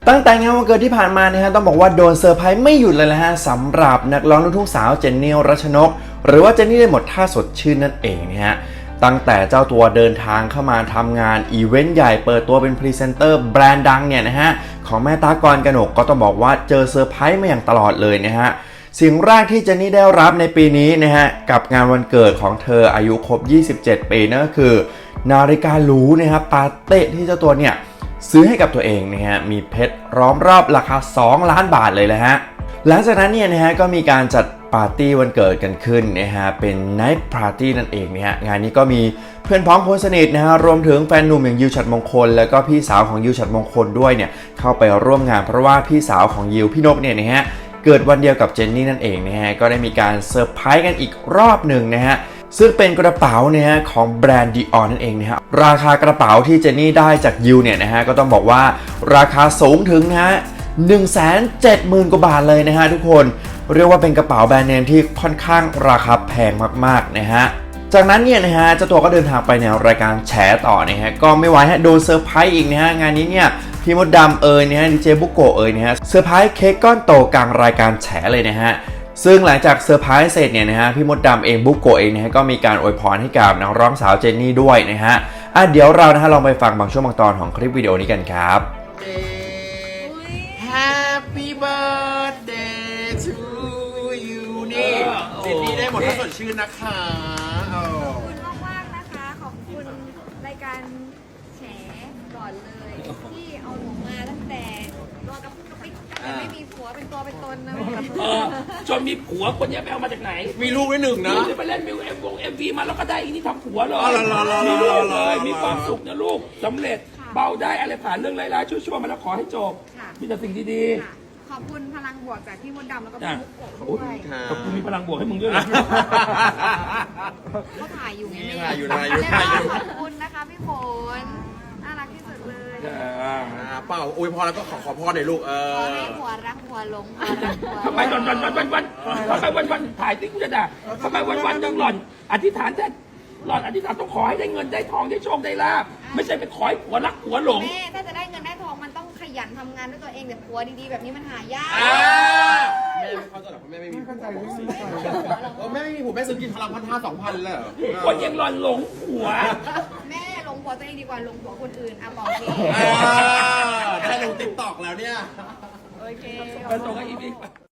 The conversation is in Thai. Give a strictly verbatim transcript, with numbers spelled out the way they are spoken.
ตั้งแต่งานวันเกิดที่ผ่านมานะฮะต้องบอกว่าโดนเซอร์ไพรส์ไม่หยุดเลยนะฮะสำหรับนักร้องลูกทุ่งสาวเจนนี่รัชนกหรือว่าเจนนี่ได้หมดท่าสดชื่นนั่นเองนะฮะตั้งแต่เจ้าตัวเดินทางเข้ามาทำงานอีเวนต์ใหญ่เปิดตัวเป็นพรีเซนเตอร์แบรนด์ดังเนี่ยนะฮะของแม่ตากรกนกก็ต้องบอกว่าเจอเซอร์ไพรส์มาอย่างตลอดเลยนะฮะสิ่งแรกที่เจนนี่ได้รับในปีนี้นะฮะกับงานวันเกิดของเธออายุครบยี่สิบเจ็ดปีนั่นก็คือนาฬิกาหรูนะครับปาเต้ที่เจ้าตัวเนี่ยซื้อให้กับตัวเองนะฮะมีเพชรล้อมรอบราคาสองล้านบาทเลยแหละฮะหลังจากนั้นเนี่ยนะฮะก็มีการจัดปาร์ตี้วันเกิดกันขึ้นนะฮะเป็นไนท์ปาร์ตี้นั่นเองนะฮะงานนี้ก็มีเพื่อนพ้องคนสนิทนะฮะรวมถึงแฟนหนุ่มอย่างยิวฉัตรมงคลแล้วก็พี่สาวของยิวฉัตรมงคลด้วยเนี่ยเข้าไปร่วมงานเพราะว่าพี่สาวของยิวพี่นกเนี่ยนะฮะเกิดวันเดียวกับเจนนี่นั่นเองนะฮะก็ได้มีการเซอร์ไพรส์กันอีกรอบหนึ่งนะฮะซึ่งเป็นกระเป๋าเนี่ยฮะของแบรนด์ Dior นั่นเองนะฮะราคากระเป๋าที่เจนนี่ได้จากยิวเนี่ยนะฮะก็ต้องบอกว่าราคาสูงถึงนะฮะ หนึ่งแสนเจ็ดหมื่น กว่าบาทเลยนะฮะทุกคนเรียกว่าเป็นกระเป๋าแบรนด์เนมที่ค่อนข้างราคาแพงมากๆนะฮะจากนั้นเนี่ยนะฮะเจ้าตัวก็เดินทางไปในรายการแฉต่อนะฮะก็ไม่ไหวฮะโดนเซอร์ไพรส์อีกนะฮะงานนี้เนี่ยพี่มดดำเอ่ยนะฮะดีเจบุโกะเอ่ยนะฮะเซอร์ไพรส์เค้กก้อนโตกลางรายการแฉเลยนะฮะซึ่งหลังจากเซอร์ไพรส์เสร็จเนี่ยนะฮะพี่มดดำเองบุโกะเองนะฮะก็มีการอวยพรให้กับนักร้องสาวเจนนี่ด้วยนะฮะอ่ะเดี๋ยวเรานะฮะลองไปฟังบางช่วงบางตอนของคลิปวิดีโอนี้กันครับ Happy birthday to you นี่เจนนี่ได้หมดถ้าสดชื่นนะคะขอบคุณมากๆนะคะขอบคุณรายการแฉก่อนเลยที่เอาหนูมาตั้งแต่ตัวกับกระปิกตั้งแต่ไม่มีผัวเป็นตัวเป็นตนนะเออจนมีผัวคนนี้ไปเอามาจากไหนมีลูกด้วยหนึ่งนะจะไปเล่นมิวเอ็มวงเอ็มวีมาแล้วก็ได้อีนี่ทำผัวเลยอ๋อเหรอเหรอเหรอมีลูกเหรเลอยมีความสุขนะลูกสำเร็จเบาได้อะไรผ่านเรื่องร้ายๆชั่วๆมาแล้วขอให้จบค่ะมีแต่สิ่งดีค่ะขอบคุณพลังบวกจากพี่มดดำแล้วก็จ้ะพี่มุกโกะด้วยๆขอบคุณมีพลังบวกให้มึงด้วยนะเขาถ่ายอยู่ไงถ่ายอยู่ถ่ายอยู่แล้วถ่ายอยู่ก็ขอบคุณนะคะพี่ฝนน่ารักที่สุดเลยอ่าเปล่าอวยพรแล้วก็ขอขอพรหน่อยลูกเอขออให้หัวรักหัวหลงหัวรักหัวหลงทำไมวันวันวันวันวันทำไมวันวันถ่ายติ๊กกูจะด่าทำไมวันวันยังหล่อน อธิษฐานแท้หล่อนอธิษฐานต้องขอให้ได้เงินได้ทองได้โชคได้ลาภไม่ใช่ไปขอให้ผัวรักผัวหลงแม่ถ้าจะได้เงินได้ทองมันต้องขยันทำงานด้วยตัวเองแต่ผัวดีๆแบบนี้มันหายากอ่าแม่ไม่เข้าใจหรอกเพราะแม่ไม่มีผัวเออแม่ไม่มีผัวแม่ซื้อกินพลังพันห้าสองพันเลยเหรอคนยังหล่อนหลงผัวแม่ลงผัวตัวเองดีกว่าลงผัวคนอื่นอ่ะบอกทีอ่าได้ลงติ๊กต็อกแล้วเนี่ยโอเคไปส่งให้อีพี